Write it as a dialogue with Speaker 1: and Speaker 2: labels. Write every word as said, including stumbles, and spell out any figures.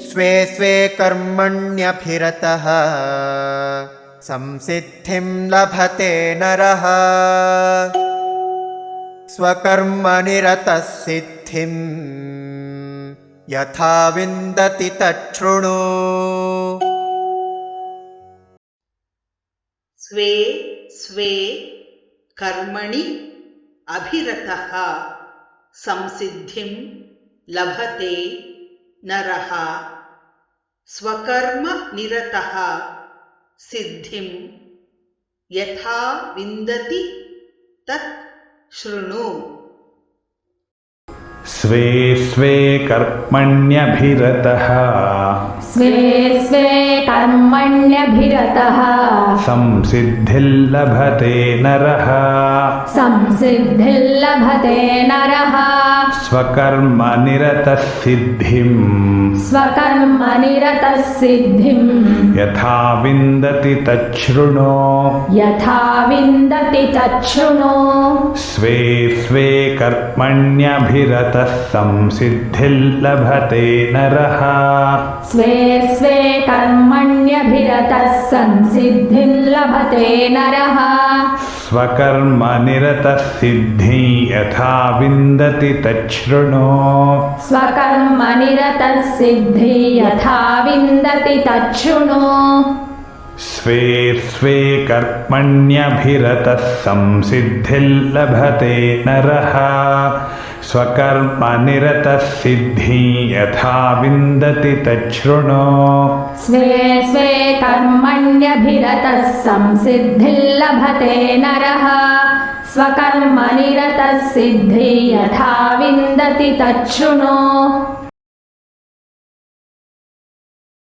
Speaker 1: स्वे स्वे कर्मण्यभिरतः संसिद्धिं लभते नरः स्वकर्मनिरतः सिद्धिं यथा विन्दति तच्छृणु।
Speaker 2: स्वे स्वे कर्मणि अभिरतः संसिद्धिं लभते नरः स्वकर्मनिरतः सिद्धिं यथा विन्दति तत् शृणु।
Speaker 3: स्वे स्वे कर्मण्यभिरतः
Speaker 4: स्वे स्वे कर्मण्यभिरतः
Speaker 3: संसिद्धिर्लभते नरः
Speaker 4: संसिद्धिर्लभते नरः
Speaker 3: स्वकर्मनिरतः सिद्धिं
Speaker 4: स्वकर्मनिरतः सिद्धिं
Speaker 3: यथा विन्दति तच्छृणु।
Speaker 4: यथा विन्दति तच्छृणु।
Speaker 3: स्वे स्वे कर्मण्यभिरतः संसिद्धिर्लभते नरः
Speaker 4: स्वे स्वे कर्मण्यभिरतः संसिद्धिर्लभते नरः
Speaker 3: स्वकर्मनिरतः सिद्धिं यथा विन्दति तच्छृणु।
Speaker 4: स्वकर्मनिरतः सिद्धि यथा विन्दति तच्छृणु।
Speaker 3: स्वे स्वे कर्मण्यभिरतः संसिद्धिर्लभते नरः स्वकर्मनिरतः सिद्धिं यथा विन्दति तच्छृणु।
Speaker 4: स्वे स्वे कर्मण्यभिरतः संसिद्धिर्लभते नरः स्वकर्मनिरतः सिद्धि यथा विन्दति तच्छृणु।